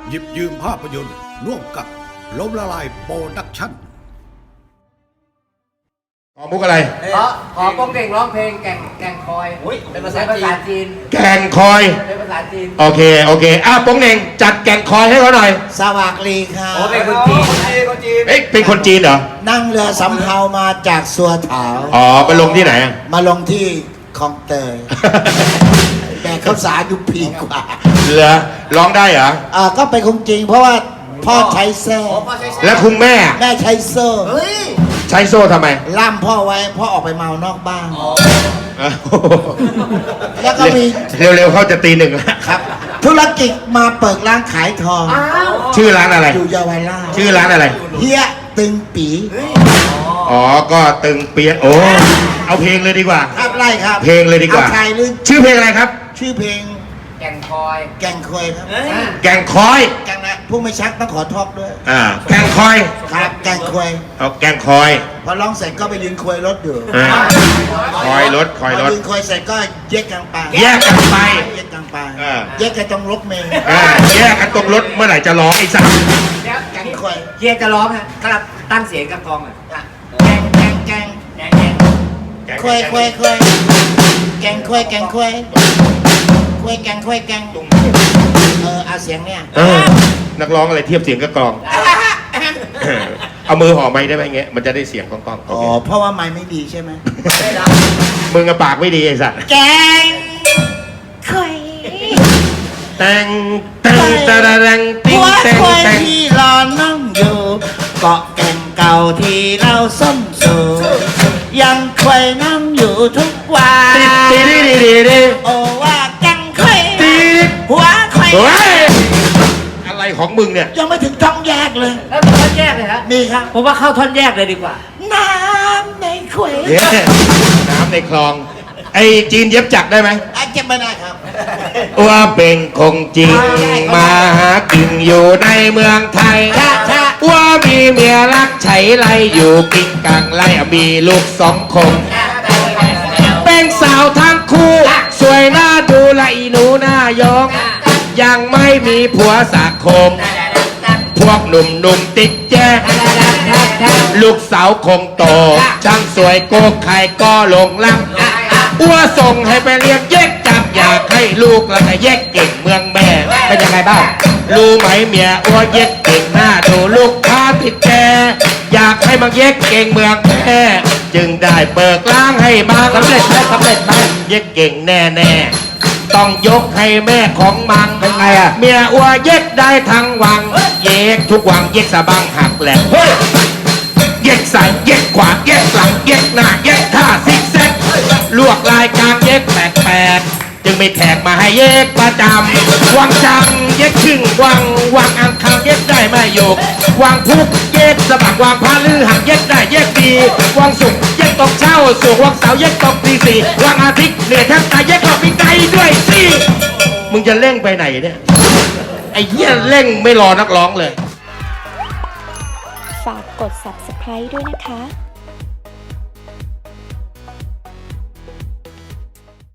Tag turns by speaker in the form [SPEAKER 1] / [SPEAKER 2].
[SPEAKER 1] หยิบยืมภาพยนตร์ร่วมกับล้มละลายโปรดักชั่น
[SPEAKER 2] ขอมุกอะไร
[SPEAKER 3] ขอโป้งเก่งร้องเพลงแก่งคอยเป็นภาษาจีน
[SPEAKER 2] แก่งคอย
[SPEAKER 3] เป็นภาษาจีน
[SPEAKER 2] โอเคโป้งเน่งจัดแก่งคอยให้เขาหน่อย
[SPEAKER 4] สวัสดีครับ
[SPEAKER 3] เป็นคนจีน
[SPEAKER 2] เอ๊ะเป็นคนจีนเหรอ
[SPEAKER 4] นั่งเรือสำเภามาจากสัวเถา
[SPEAKER 2] ไปลงที่ไหน
[SPEAKER 4] มาลงที่คลองเตยแต่เขาสาอยู่ปีกว่า
[SPEAKER 2] เหรอร้องได้เหรอ
[SPEAKER 4] ก็เป็นคงจริงเพราะว่าพ่อใช้เซ่
[SPEAKER 2] แล้วคุณแม่
[SPEAKER 4] ใช้โซ่
[SPEAKER 2] ใช้โซ่ทำไม
[SPEAKER 4] ล่ามพ่อไว้พ่อออกไปเมานอกบ้านแล้วก็มี
[SPEAKER 2] เร็วๆเขาจะตีหนึ่งแล้ว
[SPEAKER 4] ครับธุรกิจมาเปิดร้านขายทอง
[SPEAKER 2] ชื่อร้านอะไร
[SPEAKER 4] อยู่เยาวราช
[SPEAKER 2] ชื่อร้านอะไร
[SPEAKER 4] เฮียตึงปี
[SPEAKER 2] ก็ตึงเปียโอ้เอาเพลงเลยดีกว่า
[SPEAKER 4] ครับไล่ครับ
[SPEAKER 2] เพลงเลยดีกว่าชื่อเพลงอะไรครับ
[SPEAKER 4] ชื่อเพลง
[SPEAKER 3] แก่งคอย
[SPEAKER 4] ครับ
[SPEAKER 2] แก่งคอย
[SPEAKER 4] แก่งนะผู้ไม่ชักต้องขอทอกด้วย
[SPEAKER 2] แก่งคอย
[SPEAKER 4] ครับแก่งคอย
[SPEAKER 2] แก่งคอย
[SPEAKER 4] พอร้องเสร็จก็ไปยืนคอยรถอยู่
[SPEAKER 2] คอยรถ
[SPEAKER 4] ยืนคอยเสร็จก็แยกกันไป
[SPEAKER 2] แยกกัน
[SPEAKER 4] ตรงรถเมล์
[SPEAKER 2] แยกกันตรงรถเมื่อไหร่จะร้องไอ้สัส
[SPEAKER 4] แก่งคอย
[SPEAKER 3] เฮียจะร้องฮะครับตั้งเสียงกับกองอ่ะ
[SPEAKER 4] แก่งคอยแก่งคอยแก่งเอาเสียงเนี่ย
[SPEAKER 2] นักร้องอะไรเทียบเสียงกับกลองเอามือห่อไม้ได้ไหมเงี้ยมันจะได้เสียงกอง
[SPEAKER 4] เพราะว่าไม้ไม่ดีใช่ไหม
[SPEAKER 2] มึงกับปากไม่ดีไอ้สัส
[SPEAKER 4] แกงคอย
[SPEAKER 2] แต่ง
[SPEAKER 4] ที่รอนั่งอยู่เกาะแก่งเก่าที่เราส้มสูยังคอยนั่งอยู่ทุกวันโอ้ว่าแก่งคอยหัวคอย
[SPEAKER 2] อะไรของมึงเนี่ย
[SPEAKER 4] ยังไม่ถึงท่อนแยกเลย
[SPEAKER 3] แล้วท่อนแยกเลยฮะ
[SPEAKER 4] มีครับ
[SPEAKER 3] ผมว่าเข้าท่อนแยกเลยดีกว่า
[SPEAKER 4] น้ำในคอย
[SPEAKER 2] น้ำในคลองไอ้จีนเย็บจักได้ไหม
[SPEAKER 4] เจ็บไม่ได้ครับ
[SPEAKER 2] ว่าเป็นคงจริงมาหากินอยู่ในเมืองไทยว่ามีเมียรักไฉไลอยู่กินกังไลมีลูก2 คนเป็นสาวทั้งคู่สวยหน้าดูละอีหนูหน้ายองยังไม่มีผัวสักคมพวกหนุ่มติดแจ้ลูกสาวคงโตช่างสวยโกใครก็หลงรักอ้วส่งให้ไปเรียนเย็กจับอยากให้ลูกแล้วก็เย็กเก่งเมืองแม่เป็นยังไงบ้างรู้ไหมเมียอ้วเย็กเก่งหน้าดูลูกค้าติดแกอยากให้มาเย็กเก่งเมืองแม่จึงได้เปิดร้านให้มาสำเร็จไหมเย็กเก่งแน่ต้องยกให้แม่ของมังเป็นไงเมียอ้วเย็กได้ทั้งวังเย็กทุกวังเย็กสะบังหักแหลกเย็กซ้ายเย็กขวาเย็กหลังเย็กหน้าเย็กท่าซิกแซกลวกลายกลางเย็กแปลกจึงไม่แขกมาให้เย็กประจำวังจังเย็กครึ่งวังอังคารเย็กได้ไม่หยกวังพุกเย็กสะบักวังพาลือหักเย็กได้เย็กดีวังศุกร์เย็กตกเช้าสุกวังเสาร์เย็กตกตี 4วังอาทิตย์เหนื่อยแทบตายเย็กออกปีไกด้วยสิมึงจะเร่งไปไหนเนี่ยไอ้เหี้ยเร่งไม่รอนักร้องเลย
[SPEAKER 5] ฝากกด Subscribe ด้วยนะคะ